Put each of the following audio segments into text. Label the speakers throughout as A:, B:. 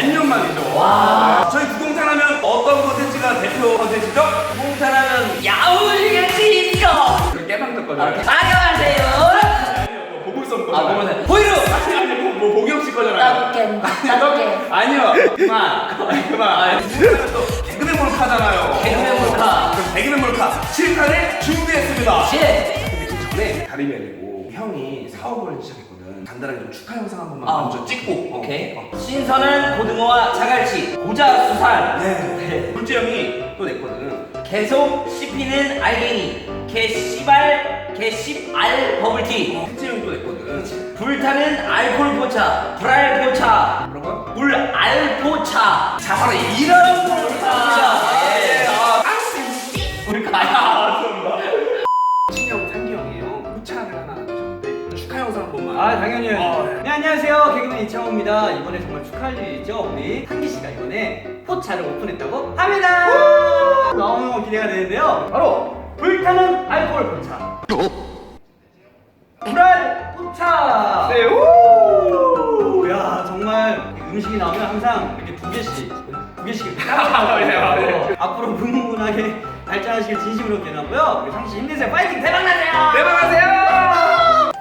A: 반년 만이죠. 와. 저희 구공탄하면 어떤 컨텐츠가 대표 컨텐츠죠?
B: 구공탄하면 야울같이 있죠.
A: 깨방 떴거든요.
B: 안녕하세요.
A: 아니요, 보물섬 거잖아요.
B: 아, 보물섬. 보이로.
A: 아니, 뭐 보경 씨 거잖아요.
B: 따뜻게.
A: 아니요, 그만. 또 개그맨 몰카잖아요.
B: 개그맨 몰카.
A: 그럼 개그맨 몰카 7탄을 준비했습니다.
B: 예.
A: 근데 그 전에 가림이 아니고 형이 사업을 시작했거든. 간단하게 좀 축하 영상 한 번만 먼저 찍고.
B: 오케이. 신선한 고등어와 자갈치, 고자수산.
A: 네. 둘째 형이 또 냈거든.
B: 계속 씹히는 알갱이, 개씨발, 개씹알 버블티.
A: 셋째 형이 또 냈거든.
B: 불타는 알콜 포차, 불알포차,
A: 뭐라고요?
B: 불알포차. 자, 바로 이런 포차. 예. 우리 가야.
A: 친형 상기 형이에요. 포차를 하나 주셨는데 축하 영상 한 번만.
C: 아 당연히요. 네, 안녕하세요. 개그맨 이창호입니다. 이번에 정말 축하할 일이 있죠. 우리 한기 씨가 이번에 포차를 오픈했다고 합니다. 너무 기대가 되는데요. 바로 불타는 알코올 포차. 불알 포차.
A: 네. 오.
C: 야 정말 음식이 나오면 항상 이렇게 두 개씩 이렇게
A: 네,
C: 따로 앞으로 뭉뭉하게 발전하시길 진심으로 기원하고요. 우리 상씨 힘내세요. 파이팅 대박 나세요.
A: 대박하세요.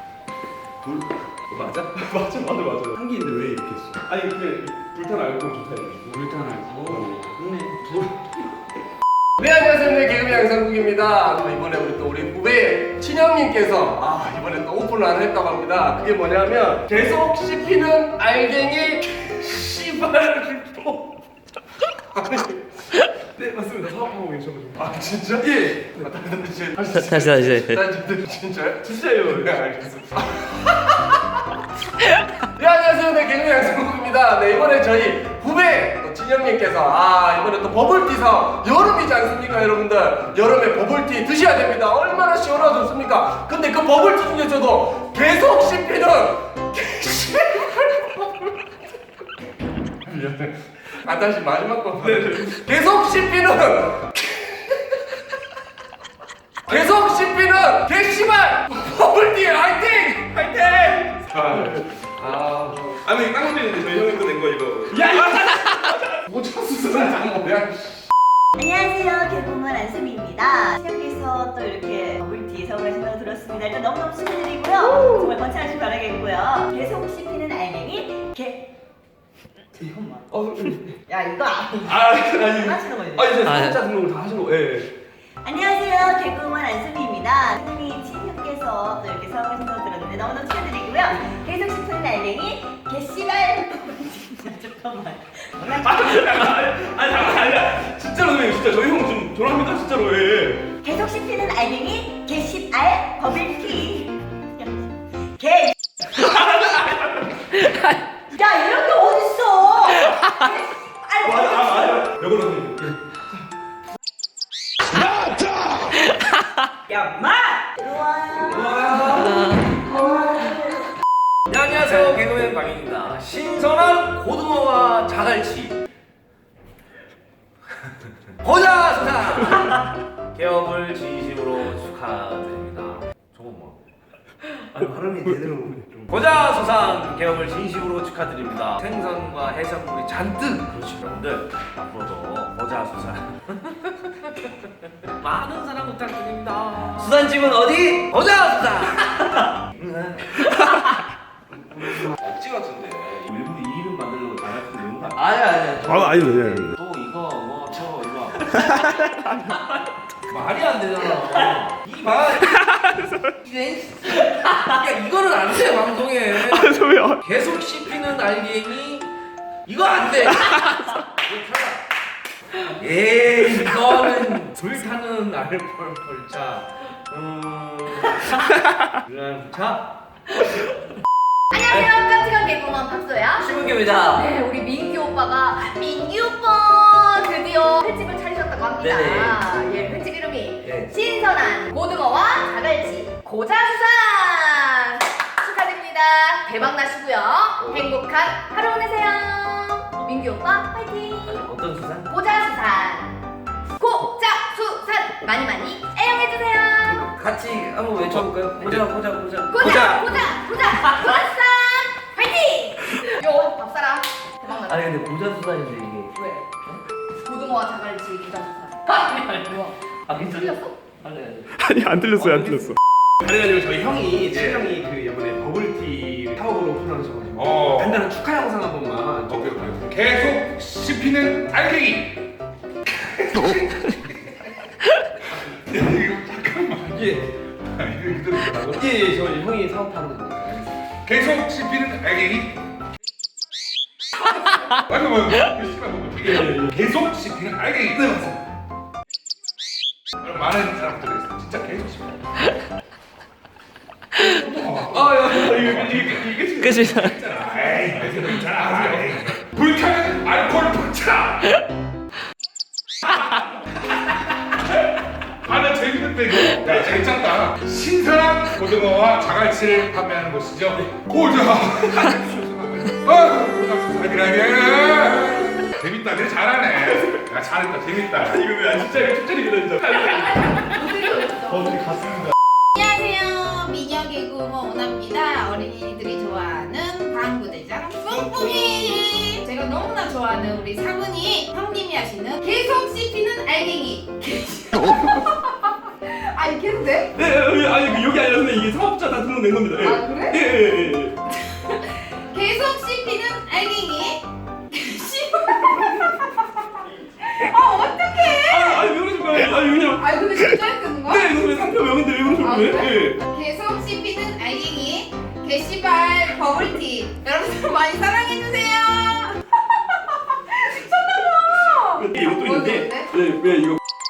A: 맞아? 맞아. 한기인데 왜 이렇게 했어? 아니 근데 불탄 알고 좋다 해가지고.
C: 불탄 알코올. 좋네.
D: 네, 안녕하세요. 네, 개그맨 양상국입니다. 이번에 우리 후배 친형님께서 이번에 또 오픈을 안 했다고 합니다. 그게 뭐냐면 계속 씹히는 알갱이 씨발포.
A: 네 맞습니다. 사업하고 계셔가지고.
D: 아 진짜?
A: 예.
B: 다시.
D: 진짜요?
A: 진짜요.
D: 네, 알겠습니다. 네, 안녕하세요. 네, 개그맨 양상국입니다. 네, 이번에 저희 후배 또 친형님께서 이번에 또 버블티 사업, 여름이지 않습니까, 여러분들? 여름에 버블티 드셔야 됩니다. 얼마나 시원하고 좋습니까? 근데 그 버블티 중에서도 계속 씹히는 다시 마지막 거. 계속 씹히는 개씨발 버블티 화이팅!
A: 아니 깡패인데 저희 형이 또낸 거 이거.
D: 야 이거 모차수술은 장모야.
E: 안녕하세요. 개그우먼 안수미입니다. 시장님께서 또 이렇게 버블티 사업하신다고 들었습니다. 일단 너무너무 축하드리고요. 정말 번창하시길 바라겠고요. 계속 씹히는 알맹이 야 이거
A: 아니.
E: 하시는 거예요.
A: 이제 사업자 등록을 다 하신 거. 예.
E: 안녕하세요. 개그우먼 안수미입니다. 선생님이 친형께서 또 이렇게 사업하신다고 들었는데 너무너무 축하드리고요. 계속 씹히는 알맹이 개씨발 잠깐만.
A: 아니 진짜로 선생님 진짜 저희 형 좀 졸업합니다 진짜로. 예.
E: 계속 씹히는 알맹이 개씹알 버블티. 개. 야 이런 게 어딨어?
A: 맞아. 여거는 선생님.
E: 야 마.
B: 네, 안녕하세요. 개그맨 박인입니다. 신선한 고등어와 자갈치, 고자수산 개업을 진심으로 축하드립니다. 저거 뭐? 아니 발음이 제대로 고자수산 개업을 진심으로 축하드립니다. 생선과 해산물이 잔뜩 그렇죠 여러분들. 앞으로도 고자수산 많은 사랑 부탁드립니다. 수산집은 어디? 고자수산. 억지 같은데 일부러 이 이름 만들려고 잘할 수 있는 거 아니야.
A: 아니 왜?
B: 또 이거 저 이거 말이 안 되잖아. 이 말. 야 이거는 안 돼 방송에.
A: 왜요?
B: 계속 씹히는 알갱이 이거 안 돼. 에이 이거는 불타는 알콜 펄차. 불알포차.
F: 안녕하세요. 깜찍한 개그우먼 박소야.
B: 신문규입니다.
F: 네, 우리 민규 오빠가 민규 오빠 드디어 횟집을 차리셨다고 합니다.
B: 네네.
F: 예, 횟집 이름이
B: 네.
F: 신선한 고등어와 자갈치 고자수산 축하드립니다. 대박 나시고요. 행복한 하루 보내세요. 민규 오빠 화이팅.
B: 어떤 수산?
F: 고자수산 고자수산 많이 많이 애용해주세요.
B: 같이 한번 외쳐볼까요? 보자.
F: 고자수산 화이팅. 요 밥사라 대박 나세요.
B: 아니 근데 고자수산인데 이게.
F: 왜? 고등어와 자갈치 기자수산. 아니 뭐야?
B: 아 괜찮아?
F: 틀렸어?
B: 아니.
G: 아니 안 들렸어요 안 들렸어.
A: 그래가지고 저희 형이 친형이 그 이번에 버블티 사업을 오픈하셔가지고 간단한 축하 영상 한 번만.
G: 오케이 오케이. 계속 씹히는 알갱이.
A: 예.
G: 아, 이거 그대로 뭐라고?
A: 예, 저 형이 사업하는 거.
G: 계속 씹히는 알갱이. 맞아 맞아. 계속 씹히는 알갱이. 네 맞습니다. 많은 사람들이 있어. 진짜 계속 씹혀. 이게
B: 끝이.
G: 있잖아. 불타는 알코올 포차. 나 재밌는데 이거. 야 재밌잖다. 신선한 고등어와 자갈치를 판매하는 곳이죠. 고자. 고자수산이라니. 재밌다. 내 잘하네. 야 잘했다. 재밌다. 이거 왜 진짜 이거 쫓아리기다 진짜.
F: 안녕하세요. 미녀 개그우먼 오나입니다. 어린이들이 좋아하는 방구대장 뿡뿡이. 제가 너무나 좋아하는 우리 사분이 형님이 하시는 계속 씹히는 알갱이. 아니 계속 돼?
G: 네, 아니 여기 아니라 선생님 이게 사업자 다 등록된 겁니다. 예.
F: 아 그래?
G: 예.
F: 계속 씹히는 알갱이. 어떡해?
G: 아니 왜 그러신 거예요? 아니 그냥.
F: 아니 근데 진짜 했는 거야?
G: 네, 이거 왜 상표 명인데 왜 그러신
F: 아,
G: 거예요?
F: 그래?
G: 예.
F: 계속 씹히는 알갱이 게시발 버블티 여러분들 많이 사랑해주세요. 미쳤나봐.
G: 이것도 있는데. 네, 왜 이거?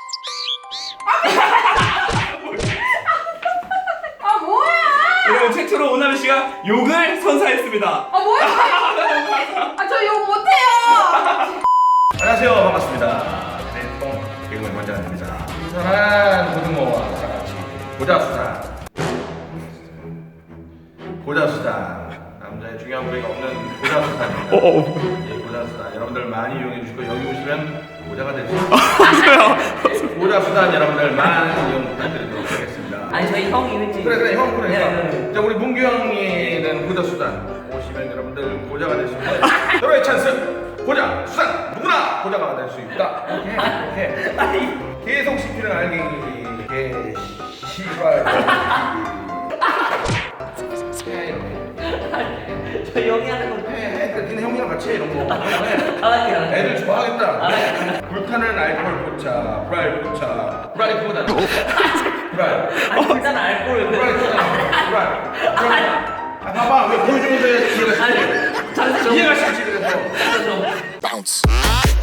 F: 아 뭐야?
G: 여러분 최초로 오나미 씨가 욕을 선사했습니다.
F: 아 뭐야? 아 저 욕 못해요.
D: 안녕하세요. 반갑습니다. 네, 개그맨 원장입니다. 신선한 고등어와 자갈치 고자수산. 고자수산. 남자의 중요한 부위가 없는 고자수산입니다. 예, 고자수산. 여러분들 많이 이용해 주시고 여기 오시면 고자가 될 수 있습니다. 고자수산 여러분들 많은 이용 부탁드리도록 하겠습니다.
B: 아니 저희 형이 왠지.
D: 그래 형 그러니까.
B: 네.
D: 자 우리 문규 형이는 고자수산 오시면 여러분들 고자가 될 수 있는 서로의 찬스. 고자, 수산, 누구나 고자가 될 수 있다. 이렇게 계속 씹히는 알갱이, 씨발.
B: 저희 형이 하는 건.
D: 니네 형이랑 같이 해, 이런 거.
B: 알았게.
D: 애들 좋아하겠다. 불타는 알코올 포차, 프라이 포차, 프라이 포다. 프라이.
B: 아니 일단 알코올.
D: 프라이 포다. 프라이. 아, 봐봐, 왜 보여주는데 집에서
B: 아니, 잘했어.
D: 이해가 쉽지 그래서.
B: 좀.